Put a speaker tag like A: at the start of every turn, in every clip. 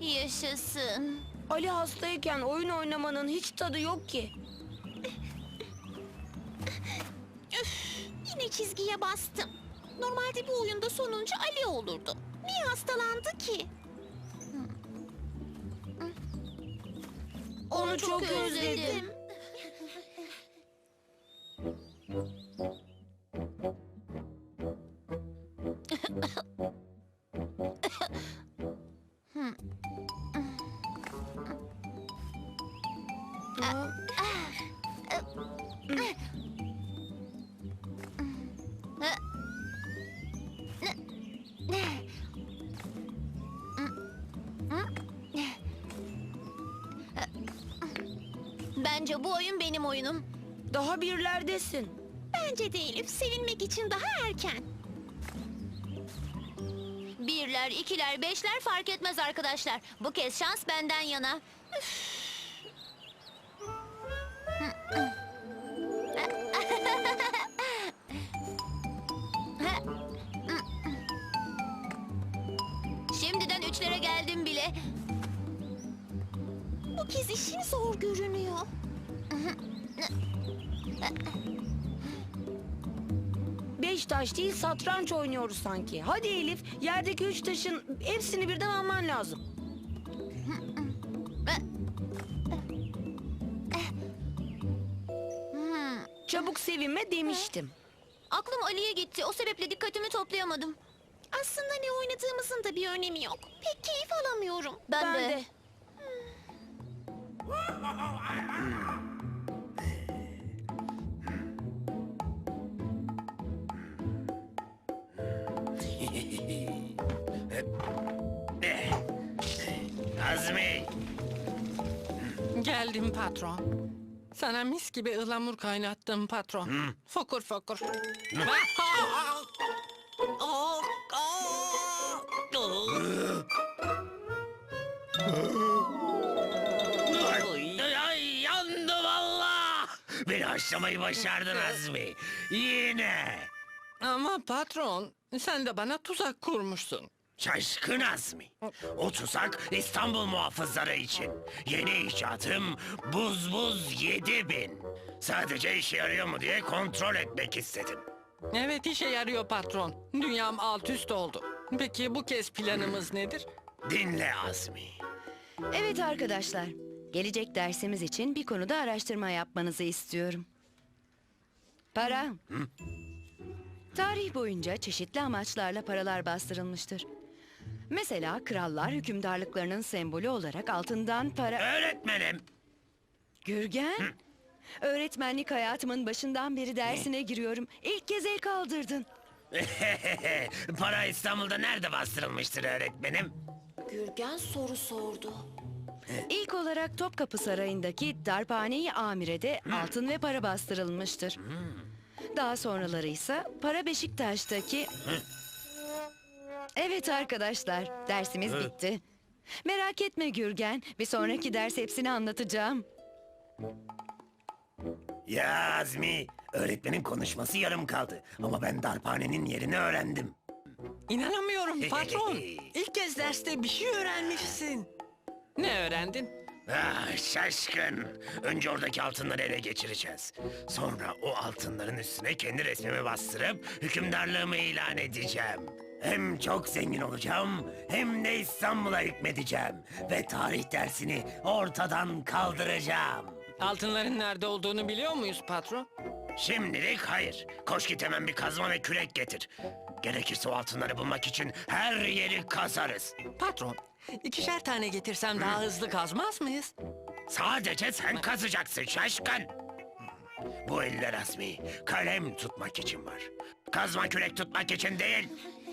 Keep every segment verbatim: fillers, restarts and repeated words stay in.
A: Yaşasın.
B: Ali hastayken oyun oynamanın hiç tadı yok ki.
A: Yine çizgiye bastım. Normalde bu oyunda sonuncu Ali olurdu. Niye hastalandı ki?
B: Onu çok özledim.
A: Bence bu oyun benim oyunum.
B: Daha birlerdesin.
A: Bence de Elif, sevinmek için daha erken. Birler, ikiler, beşler fark etmez arkadaşlar. Bu kez şans benden yana. Şimdiden üçlere geldim bile. Bu kez işin zor görünüyor.
B: Beş taş değil satranç oynuyoruz sanki. Hadi Elif, yerdeki üç taşın hepsini birden alman lazım. Çabuk sevinme demiştim.
A: Aklım Ali'ye gitti. O sebeple dikkatimi toplayamadım. Aslında ne oynadığımızın da bir önemi yok. Pek keyif alamıyorum. Ben,
B: Ben de.
C: Azmi,
D: Geldim patron. Sana mis gibi ıhlamur kaynattım patron. Fokur fokur. Oh, oh, oh.
C: ay, ay, yandı valla. Beni haşlamayı başardın Azmi. Yine.
D: Ama patron, sen de bana tuzak kurmuşsun.
C: Şaşkın Azmi. O tuzak İstanbul muhafızları için. Yeni icatım buz buz yedi bin. Sadece işe yarıyor mu diye kontrol etmek istedim.
D: Evet, işe yarıyor patron. Dünyam alt üst oldu. Peki bu kez planımız nedir?
C: Dinle Azmi.
E: Evet arkadaşlar, gelecek dersimiz için bir konuda araştırma yapmanızı istiyorum. Para. Tarih boyunca çeşitli amaçlarla paralar bastırılmıştır. Mesela krallar hükümdarlıklarının sembolü olarak altından para...
C: Öğretmenim.
E: Gürgen, öğretmenlik hayatımın başından beri dersine giriyorum. İlk kez el kaldırdın.
C: Para İstanbul'da nerede bastırılmıştır öğretmenim?
A: Gürgen soru sordu.
E: İlk olarak Topkapı Sarayı'ndaki Darphane-i Amire'de altın ve para bastırılmıştır. Daha sonraları ise para Beşiktaş'taki... Evet arkadaşlar, dersimiz bitti. Merak etme Gürgen, bir sonraki ders hepsini anlatacağım.
C: Ya Azmi, öğretmenin konuşması yarım kaldı. Ama ben darphanenin yerini öğrendim.
D: İnanamıyorum patron. İlk kez derste bir şey öğrenmişsin. Ne öğrendin?
C: Ah, şaşkın. Önce oradaki altınları ele geçireceğiz. Sonra o altınların üstüne kendi resmimi bastırıp hükümdarlığımı ilan edeceğim. Hem çok zengin olacağım hem de İstanbul'a hükmedeceğim. Ve tarih dersini ortadan kaldıracağım.
D: Altınların nerede olduğunu biliyor muyuz patron?
C: Şimdilik hayır. Koş git hemen bir kazma ve kürek getir. Gerekirse o altınları bulmak için her yeri kazarız.
D: Patron, ikişer tane getirsem daha hızlı kazmaz mıyız?
C: Sadece sen kazacaksın şaşkın. Bu eller Azmi, kalem tutmak için var. Kazma kürek tutmak için değil.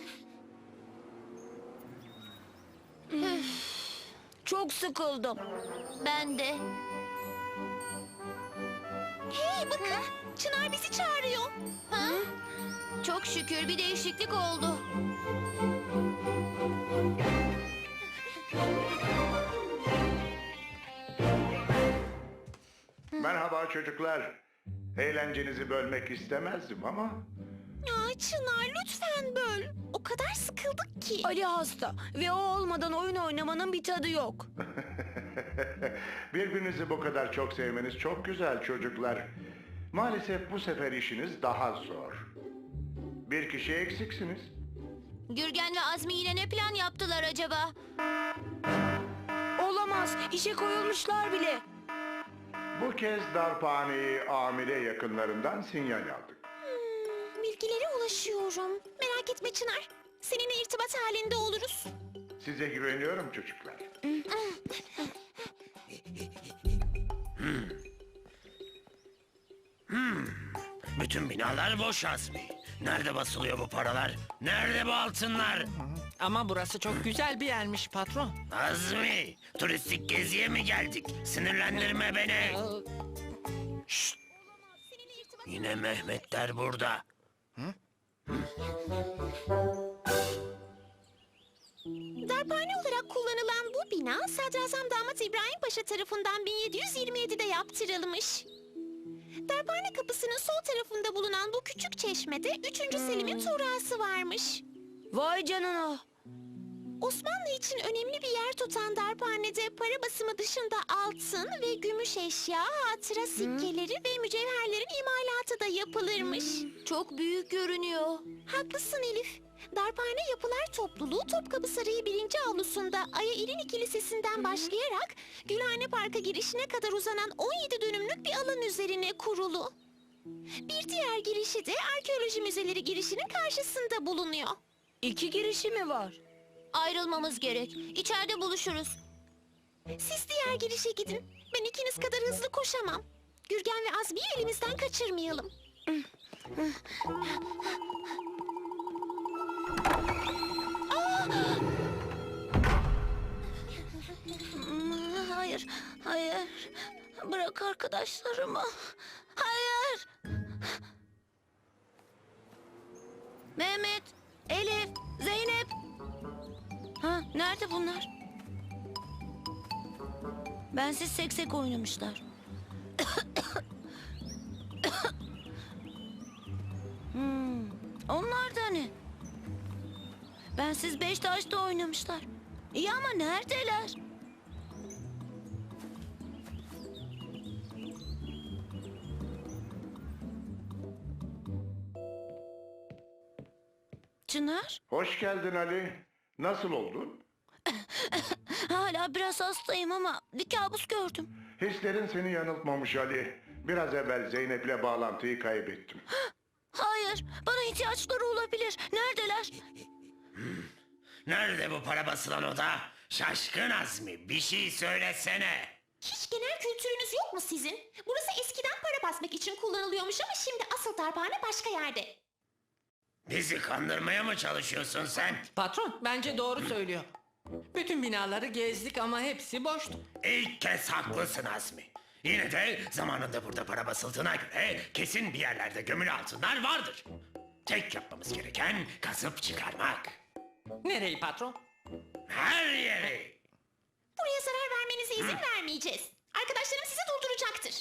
B: Çok sıkıldım.
A: Ben de. Hey bakın, Çınar bizi çağırıyor. Ha? Çok şükür bir değişiklik oldu.
F: Merhaba çocuklar. Eğlencenizi bölmek istemezdim ama
A: Aa, Çınar lütfen böl. O kadar sıkıldık ki.
B: Ali hasta ve o olmadan oyun oynamanın bir tadı yok.
F: Birbirinizi bu kadar çok sevmeniz çok güzel çocuklar. Maalesef bu sefer işiniz daha zor. Bir kişi eksiksiniz.
A: Gürgen ve Azmi yine ne plan yaptılar acaba?
B: Olamaz. İşe koyulmuşlar bile.
F: Bu kez darphaneyi amire yakınlarından sinyal aldık.
A: Bilgilere ulaşıyorum. Merak etme Çınar. Seninle irtibat halinde oluruz.
F: Size güveniyorum çocuklar.
C: Bütün binalar boş Azmi. Nerede basılıyor bu paralar? Nerede bu altınlar?
D: Ama burası çok güzel bir yermiş patron.
C: Azmi, turistik geziye mi geldik? Sinirlendirme beni. Şşt! Yine Mehmetler burada.
A: Darphane olarak kullanılan bu bina Sadrazam Damat İbrahim Paşa tarafından bin yedi yüz yirmi yedide yaptırılmış. Darphane kapısının sol tarafında bulunan bu küçük çeşmede üçüncü Selim'in tuğrası varmış.
B: Vay canına.
A: Osmanlı için önemli bir yer tutan darphanede para basımı dışında altın ve gümüş eşya, hatıra sikkeleri ve mücevherlerin imalatı da yapılırmış. Çok büyük görünüyor. Haklısın Elif. Darphane Yapılar Topluluğu Topkapı Sarayı birinci avlusunda Aya İrinik Kilisesi'nden başlayarak Gülhane Park'a girişine kadar uzanan on yedi dönümlük bir alan üzerine kurulu. Bir diğer girişi de arkeoloji müzeleri girişinin karşısında bulunuyor.
B: İki girişi mi var?
A: Ayrılmamız gerek. İçeride buluşuruz. Siz diğer girişe gidin. Ben ikiniz kadar hızlı koşamam. Gürgen ve Azmi'yi elimizden kaçırmayalım. Aa! Hayır, hayır. Bırak arkadaşlarımı. Hayır. Mehmet, Elif, Zeynep. Ha, nerede bunlar? Bensiz seksek oynamışlar. hmm, onlar da ne? Bensiz beş taşta oynamışlar. İyi ama neredeler? Çınar,
F: Hoş geldin Ali. Nasıl oldun?
A: hala biraz hastayım ama bir kabus gördüm.
F: Hislerin seni yanıltmamış Ali. Biraz evvel Zeynep'le bağlantıyı kaybettim.
A: Hayır, bana ihtiyaçları olabilir. Neredeler?
C: Nerede bu para basılan oda? Şaşkın Azmi, bir şey söylesene.
A: Hiç genel kültürünüz yok mu sizin? Burası eskiden para basmak için kullanılıyormuş ama şimdi asıl darphane başka yerde.
C: Bizi kandırmaya mı çalışıyorsun sen?
D: Patron bence doğru söylüyor. Bütün binaları gezdik ama hepsi boştu.
C: İlk kez haklısın Azmi. Yine de zamanında burada para basıldığına göre kesin bir yerlerde gömülü altınlar vardır. Tek yapmamız gereken kazıp çıkarmak.
D: Nereyi patron?
C: Her yeri.
A: Buraya zarar vermenize izin vermeyeceğiz. Arkadaşlarım sizi durduracaktır.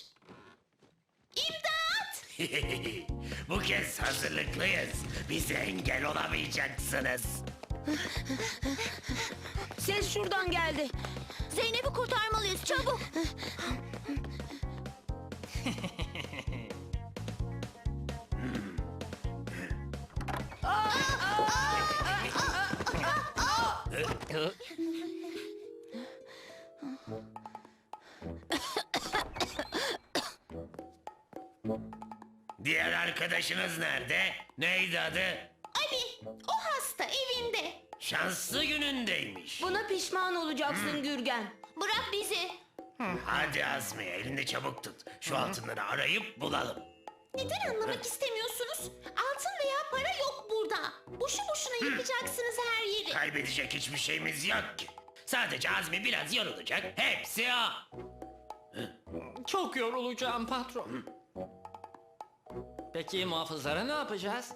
A: İmdat!
C: Bu kez hazırlıklıyız. Bize engel olamayacaksınız.
B: Ses şuradan geldi.
A: Zeynep'i kurtarmalıyız çabuk.
C: Diğer arkadaşınız nerede? Neydi adı?
A: Ali, o hasta evinde.
C: Şanslı günündeymiş.
B: Buna pişman olacaksın Gürgen.
A: Bırak bizi.
C: Hadi Azmi, elini çabuk tut. Şu altınları arayıp bulalım.
A: Neden anlamak istemiyorsunuz? Altın veya para yok burada. Boşu boşuna yıkacaksınız her yeri.
C: Kaybedecek hiçbir şeyimiz yok ki. Sadece Azmi biraz yorulacak. Hepsi o.
D: Çok yorulacağım patron. Peki muhafızlara ne yapacağız?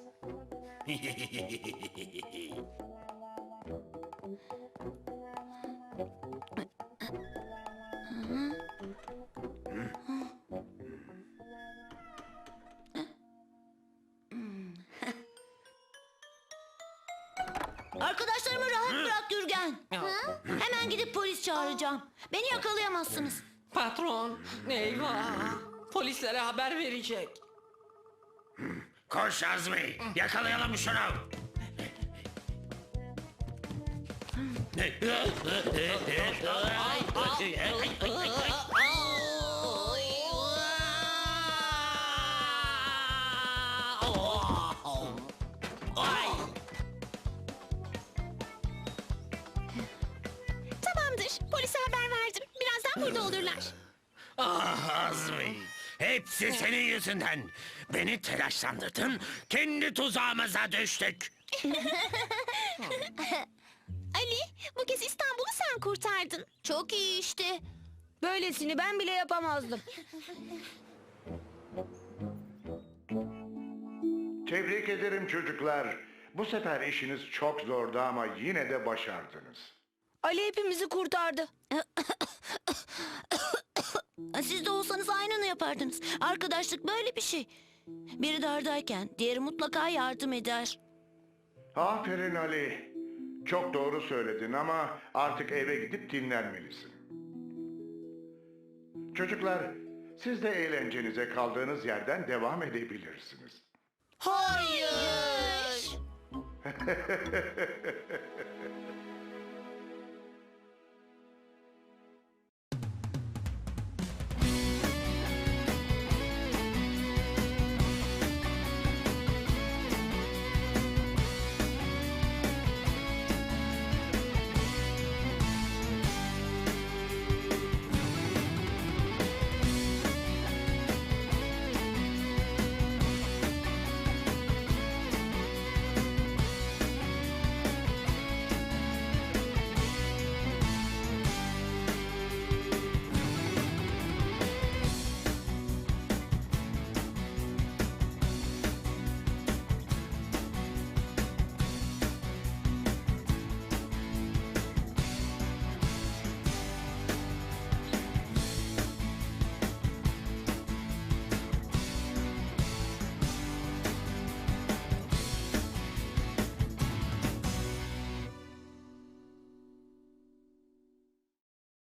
G: Arkadaşlarımı rahat bırak Gürgen. Hemen gidip polis çağıracağım. Beni yakalayamazsınız.
D: Patron, eyvah. Polislere haber verecek.
C: Koş Azmi, yakalayalım şunu.
A: Tamamdır. Polise haber verdim. Birazdan burada olurlar.
C: Ah Azmi, hepsi senin yüzünden. Beni telaşlandırdın, kendi tuzağımıza düştük.
A: Ali, bu kez İstanbul'u sen kurtardın.
G: Çok iyi işte.
B: Böylesini ben bile yapamazdım.
F: Tebrik ederim çocuklar. Bu sefer işiniz çok zordu ama yine de başardınız.
B: Ali hepimizi kurtardı.
G: Siz de olsanız aynını yapardınız. Arkadaşlık böyle bir şey. Biri dardayken diğeri mutlaka yardım eder.
F: Aferin Ali. Çok doğru söyledin ama artık eve gidip dinlenmelisin. Çocuklar, siz de eğlencenize kaldığınız yerden devam edebilirsiniz.
G: Hayır.